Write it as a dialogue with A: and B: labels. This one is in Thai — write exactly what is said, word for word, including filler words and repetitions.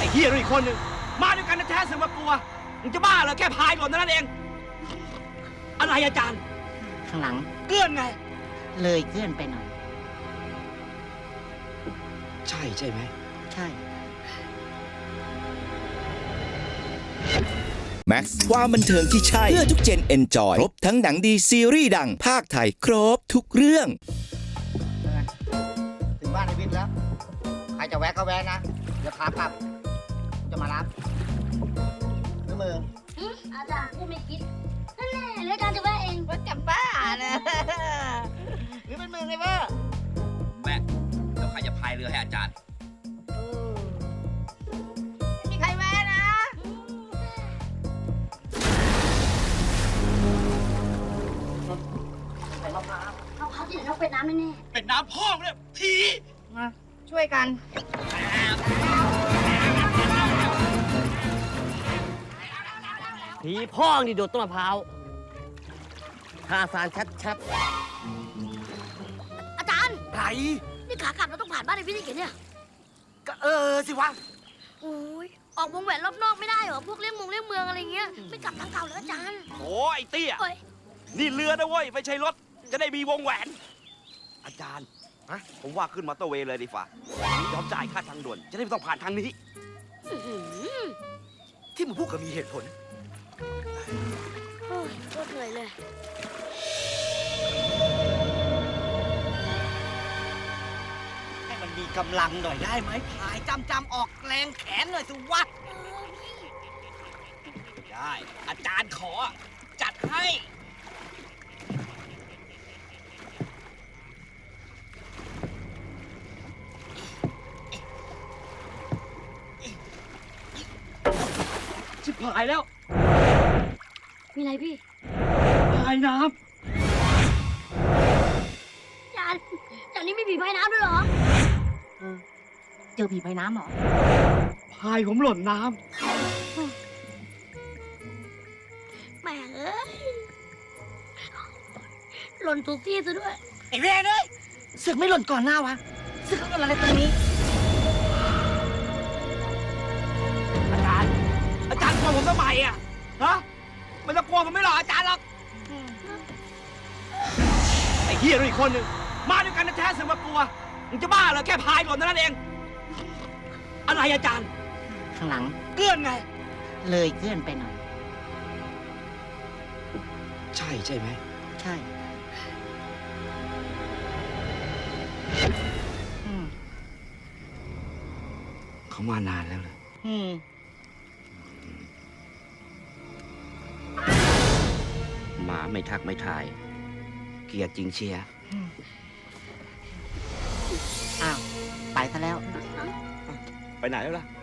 A: อ้เฮียด้วยอีกคนหนึ่งมาด้วยกันแท้ๆเสือกมากลัวมึงจะบ้าเหรอแค่พายหล่นเท่านั้นเองอะไรอาจารย์
B: ข้างหลัง
A: เกื้อนไง
B: เลยเกื้อนไปหน่อย
A: ใช่ใช่ไหม
B: ใช่
C: แม็กซ์ความบันเทิงที่ใช่เพื่อทุกเจนเอนจอยครบทั้งหนังดีซีรีส์ดังภาคไทยครบทุกเรื่อง
B: ถึงบ้านในวิทย์แล้ว ใครจะแวะก็แวะนะ เดี๋ยวขากลับ จะมารับหรือมือ
D: อาจารย์พูดไม่คิดนั่นแหละแล้วอาจารย์จะว่าเองว่าจำบ้านะ
B: หรือเป็นมือไงเว้ย
A: แม่แล้วใครจะพายเรือให้อาจารย์
D: ไม่มีใครแวะนะเอาเขาที่ไหนต้องเป็นน้ำแน่
A: เป็นน้ำพ่อเนี่ยผี
B: มาช่วยกัน
E: ผีพ่องนี่โดดต้นมะพร้าวทาสารชัด
D: ๆอาจารย์
A: ไหน
D: นี่ขากลับเราต้องผ่านบ้านในพิธีเกียรติเนี่ย
A: ก็เออสิวะ
D: โอ้ยออกวงแหวนรอบนอกไม่ได้เหรอพวกเลี้ยงมงเลี้ยงเมืองอะไรเงี้ยไม่กลับทางเก่าแล้วอาจารย์
A: โอ้ไอ้เตี้ย
D: เอ้ย
A: นี่เรือนะเว้ยไม่ใช่รถจะได้มีวงแหวน อาจารย์ฮะผมว่าขึ้นมอเตอร์เวย์เลยดีฝ่ายอมจ่ายค่าทางด่วนจะได้ไม่ต้องผ่านทางนี้
D: อื้อหือ
A: ที่มึงพูดก็มีเหตุผล
D: โอ้ยโคตรเหนื่อยเลย
B: ให้มันมีกำลังหน่อยได้ไหมพายจำจำออกแรงแขนหน่อยสิวะ
A: ได้ อาจารย์ขอจัดให้ชิบหายแล้ว
D: มีอะไรพี่
A: พายน้
D: อาจารย์อาจารย์นี่ไม่ผีพายน้ำด้วยเหรอ
B: เออ เจอผีพายน้ำเหรอ
A: ำพายผมหล่นน้
D: แหม่เอ้ยหล่นถูกที่ซะด้วย
B: ไอ้เวรเลยเสือกไม่หล่นก่อนหน้าวะเสือกเอาอะไรตรงนี้
A: ำอาจารย์ อาจารย์กลัวผมทำไมอ่ะ ฮะไม่ต้องกลัวผมไม่หรอกอาจารย์หรอก ไอ้เฮียด้วยอีกคนหนึ่งมาด้วยกันแท้ๆเสือกมากลัวมึงจะบ้าเหรอแค่พายหล่นเท่านั้นเองอะไรอาจารย์
B: ข้างหลัง
A: เกื้อนไง
B: เลยเกื้อนไปหน่อย
A: ใช่ใช่ไหม
B: ใช่ อืม
A: เขามานานแล้วเลย
B: อืม
A: หมาไม่ทักไม่ทาย เกลียดจริงเชียร์
B: อ้าว ไปซะแล้ว
A: ไปไหนแล้วล่ะ